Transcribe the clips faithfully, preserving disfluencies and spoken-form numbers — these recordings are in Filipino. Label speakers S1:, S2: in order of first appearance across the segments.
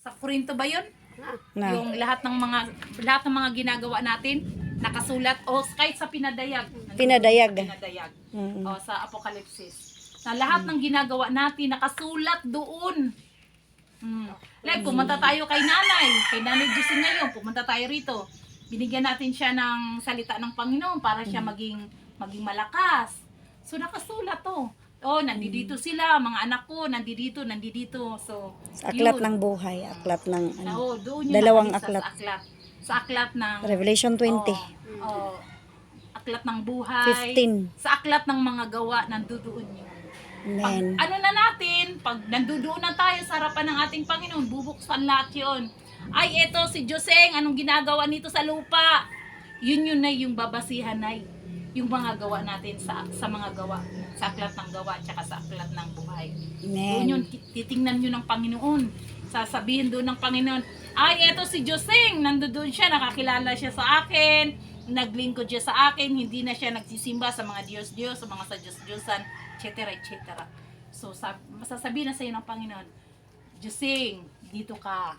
S1: Sa Korinto ba yun?
S2: Na.
S1: Yung lahat ng mga lahat ng mga ginagawa natin nakasulat o kahit sa pinadayag. Nandun
S2: Pinadayag.
S1: Sa pinadayag.
S2: Mm.
S1: O sa Apokalipsis. Na lahat ng ginagawa natin nakasulat doon. Mm. Like, pumunta tayo kay nanay. Kay nanay Gising ngayon. Pumunta tayo rito. Binigyan natin siya ng salita ng Panginoon para siya maging maging malakas. So, nakasulat to. Oh, nandito sila, mga anak ko, nandito, nandito. So,
S2: Sa aklat
S1: yun.
S2: ng buhay, aklat ng ano,
S1: Oo, doon yun
S2: dalawang
S1: nakalista
S2: aklat.
S1: Sa aklat. Sa aklat ng
S2: Revelation twenty.
S1: Oh, oh, aklat ng buhay.
S2: fifteen.
S1: Sa aklat ng mga gawa, nandoon yun. Pag,
S2: Amen.
S1: ano na natin, pag nandoon na tayo sa harapan ng ating Panginoon, bubuksan lahat yun. Ay, eto si Joseng, anong ginagawa nito sa lupa? Yun yun na yung babasihan na yung mga gawa natin sa sa mga gawa, sa aklat ng gawa, tsaka sa aklat ng buhay. Doon yun,
S2: Amen.
S1: titingnan nyo ng Panginoon. Sasabihin doon ng Panginoon, ay, eto si Joseng, nandoon siya, nakakilala siya sa akin, naglingkod siya sa akin, hindi na siya nagsisimba sa mga Diyos-Diyos, sa mga sa Diyos-Diyosan, et cetera, et cetera. So, sab- masasabihin na sa iyo ng Panginoon, Joseng, dito ka,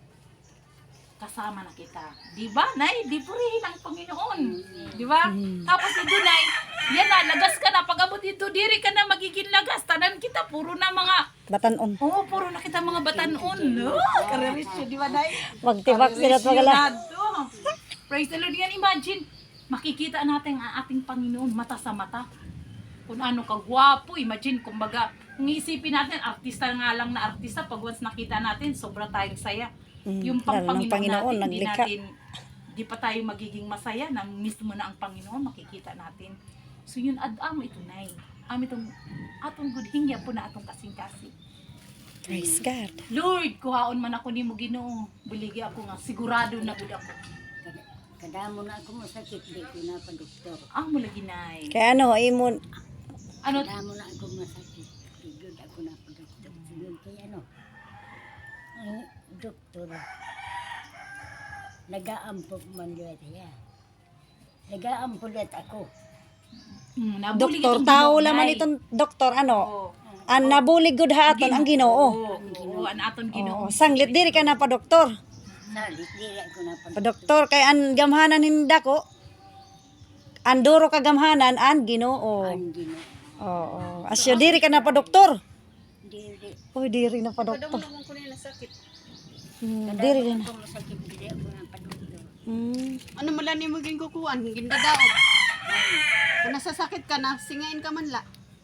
S1: kasama na kita. Di ba, Nay? Di purihin ang Panginoon. Di ba? Tapos ito, Nay, yan na, lagas ka na. Pag abot dito, diri ka na magiging lagas. Tanan kita, puro na mga,
S2: Batanon.
S1: oo, puro na kita mga batanon. No? Karerisyo, di ba, Nay?
S2: Magtibak sila at magala.
S1: Karerisyo. Praise the Lord. Yan, imagine, makikita natin ang ating Panginoon mata sa mata. Kung ano ka gwapo, imagine, kumbaga, kung isipin natin, artista nga lang na artista, pag once nakita natin, sobra tayong saya.
S2: Mm,
S1: Yung pang
S2: lalo ng
S1: Panginoon,
S2: Panginoon,
S1: natin, hindi
S2: naglikha.
S1: natin, di pa tayo magiging masaya na mismo na ang Panginoon, makikita natin. So yun, ad-am ito na Am itong, atong good hingya po na atong kasing-kasing.
S2: Praise God.
S1: Lord, kuhaon man ako ni mo Ginoo. Buligi ako nga, sigurado na gud ako.
S3: Kadamo na ako masakit, di ko na pa doktor.
S1: Ang mula ginay.
S2: Kaya ano, imon,
S1: Ano,
S3: Kadamo na ako masakit, di ko ako na pa doktor. Siguro kaya ano, ang doktor, nag-aampok man yun siya. Nag-aampulat ako.
S1: hmm, nabulig
S2: doktor,
S1: itong
S2: tao
S1: Ginoo,
S2: laman
S1: Nay.
S2: itong doktor, ano,
S1: Oo.
S2: ang nabulig gud haton ang Ginoo.
S1: Oo, oo, ang aton Ginoo.
S2: Oo, sanglit diri ka na pa doktor.
S3: Salit, di ako na pa
S2: Pa doktor kay an gamhanan hinda ko. Ang duro ka gamhanan an Ginoo.
S3: Ang Ginoo.
S2: Oo. Asyo diri ka na pa doktor.
S3: Di, di.
S2: Uy, diri na pa doktor. Hmm, diri
S3: Kadamo
S2: na.
S3: na ako masakit, di ako na pa doktor.
S2: Hmm.
S4: Ano mo lang ni mo ginkukuan, gindadaog. Kung nasasakit ka na, singain ka man la.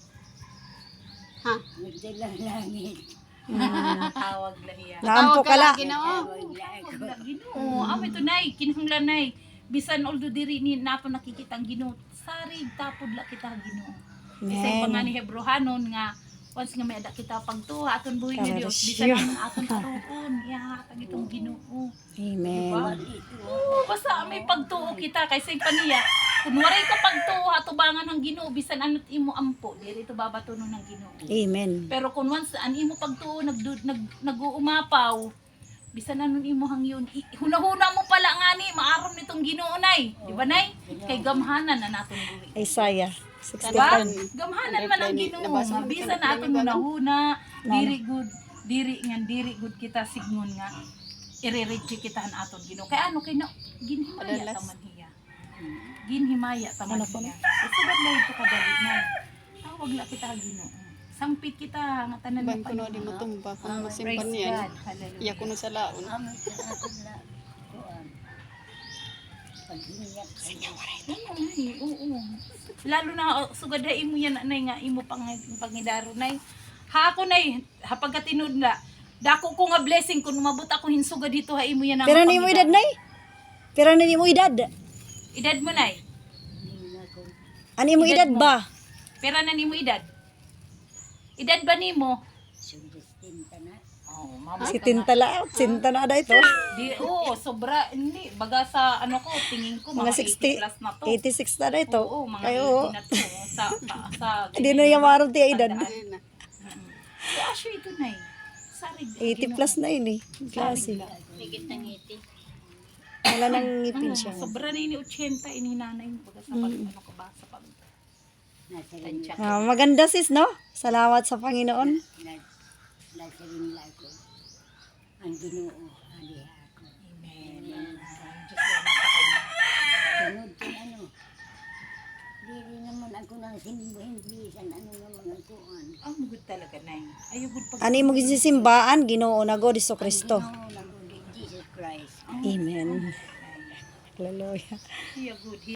S4: Ha?
S3: Nagdalang langit.
S1: Tawag lahiya.
S2: Naampo ka la.
S4: Ginoo.
S3: Tawag na ako.
S1: Wala, Ginoo. Amo ito nay, kinahanglan nay. Bisan although diri ni nato nakikita ang Ginoo, sarig tapod la kita Ginoo. Kasi
S2: Amen.
S1: pa nga ni Hebrohanon nga once nga may ada kita pagtuha aton buhi nga Dios,
S2: Karelasyon.
S1: bisan ang aton karoon, ihatag itong Ginoo.
S2: Amen.
S1: Oo, basta may pagtuo kita kaysa pa niya. Kung waray ka pagtuo atubangan ng Ginoo bisan ano't imo ampo, diri ito babatunon ng Ginoo.
S2: Amen.
S1: Pero kung once an imo pagtuo nag nag nag-uumapaw, bisan anon imo hangyon, i- hunahuna mo pala nga ni maaram nitong Ginoo nay, di ba nay? Kay gamhanan na naton buhi.
S2: Isaiah
S1: Diba?
S2: sixty-five.
S1: Gamhanan man ang Ginoo, mabisa na aton hunahuna, diri good, diri ngan diri good kita signon nga ire-reach kita an aton Ginoo. Kay ano kay na ginhimaya
S4: Adalas.
S1: taman hiya. Ginhimaya taman
S2: Ano po?
S1: hiya. Kasi bagay ito kadali na. Tawag la kita Ginoo. Sangpit kita nga tanan
S4: Ban
S1: mo
S4: ko no di mo tumba, kung
S1: Praise
S4: masimpan niyan.
S1: God. Hallelujah.
S4: Iya ko no sa laon.
S3: Amin sa akin na kuan. Paghinyak ko.
S1: Oo, nay, oo. Lalo na oh, sugadain mo yan nay nga imo pang pangidaro nay. Ha ako nay, ha pagkatinud na. Dako ko nga blessing kung umabot ako hinsuga dito ha imo yan ang
S2: Pero ni mo edad nay? Pero ni mo edad?
S1: Edad mo nay.
S3: Hindi na ko.
S2: Ani mo edad ba?
S1: Pera na nimo edad. Edad ba nimo?
S3: Sundestin ka na.
S1: Oh, mama.
S2: Si Tintala, sinta na da ito.
S1: Di oo, sobra hindi baga sa ano ko tingin ko mga,
S2: Mga sixty,
S1: eighty plus na to.
S2: eighty-six na da ito.
S1: Oo, mga
S2: Kayo,
S1: eighty na to sa sa, sa
S2: hindi na yung marong tiya edad.
S4: Ayun na.
S1: Si Asyo ito nay. Sarig.
S2: eighty plus na yun eh. Klase.
S3: Higit ng ngiti.
S2: Wala nang ngipin siya.
S1: Sobra na ini eighty ini nanay mo baga sa pag ano ka ba sa pag
S3: Nasa rin,
S1: tansya.
S2: Ah, maganda sis, no? Salamat sa Panginoon.
S3: na- nasa rin lang ko. ang Ginoo ali ako.
S1: Amen. Ang Diyos na nasa kanya.
S3: Sunod kay ano. Dili naman ako nang simbuhin bisan ano nga mga kuan.
S1: Ang good talaga, Nay. Ayaw good pag...
S2: Ani mo gisisimbaan Ginoo na God Iso Kristo.
S3: Ginoo naguli Jesus Christ.
S2: Amen. Hallelujah.
S1: Ayaw good.